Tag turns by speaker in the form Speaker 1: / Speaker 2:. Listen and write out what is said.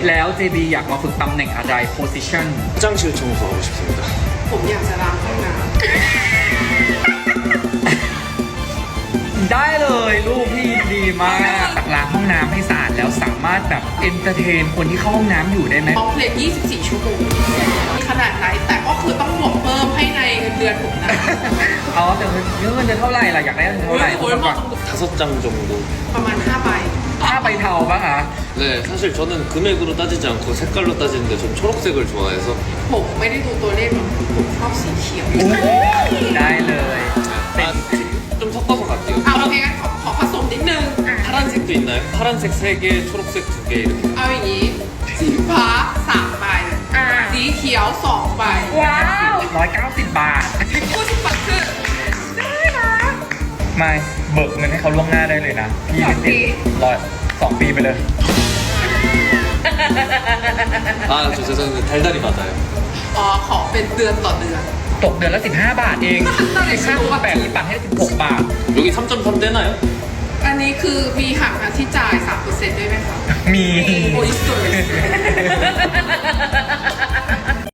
Speaker 1: แล้ว JB อยากมาฝึกตำแหน่งอะไร position
Speaker 2: 화장실 청소하고 싶습니다.
Speaker 3: ผมอยากจะล้างห้องน้
Speaker 1: ได้เลยลูกพี่ดีมากล้างห้องน้ำให้สะอาดแล้วสามารถแบบเอนเตอร์เทนคนที่เข้าห้องน้ำอยู่ได้ไหม
Speaker 3: ำออฟเลน24 ชั่วโมงขนาดไหนแต่ก็คือต้องบวกเพิ่มให้ในเงินเดือนผมนะ
Speaker 1: อ๋อแต่เงินเดือนเท่าไหร่ล่ะอยากได้เงินเท่าไหร่
Speaker 3: โอ้ยหมด
Speaker 2: 5장 정도.
Speaker 3: ประมาณ5 ใบ
Speaker 1: ถ้าไปเทาปะคะ
Speaker 2: 네, 사실 저는 금액으로 따지지 않고 색깔로 따지는데 전 초록색을 좋아해서
Speaker 3: ผมไม่ได้ดูตัวเลขหรอกผมชอบสีเขียว
Speaker 1: ได้เลย
Speaker 2: 아, 좀 섞어서 갈게요.
Speaker 3: เอาโอเคงั้นขอผสมนิดนึง
Speaker 2: 파란색도 있나요? 파란색 3개, 초록색 2개 이렇게.
Speaker 3: เอาอย่างนี้สีฟ้า3 ใบสีเขียว2 ใบ
Speaker 1: ว้าว190 บาท
Speaker 3: พูดสิปัดคือ
Speaker 1: ไม่เบิกเงินให้เขาล่วงหน้าได้เลยนะพี่
Speaker 3: 2 ปี
Speaker 1: 2 ปีไปเลย
Speaker 2: 아, 저 죄송한데 달달이 맞아요.
Speaker 3: อ๋อขอเป็นเดือนต่อเดือน
Speaker 1: ตกเดือนละ15 บาทเอง15คูณ8นี่ปัดให้16 บาท
Speaker 2: 여기 3.3 되나요?
Speaker 3: อันนี้คือมีหักค่าที่จ่าย 3% ด้วยไหมคะ
Speaker 1: มี
Speaker 3: โอ้ยสวย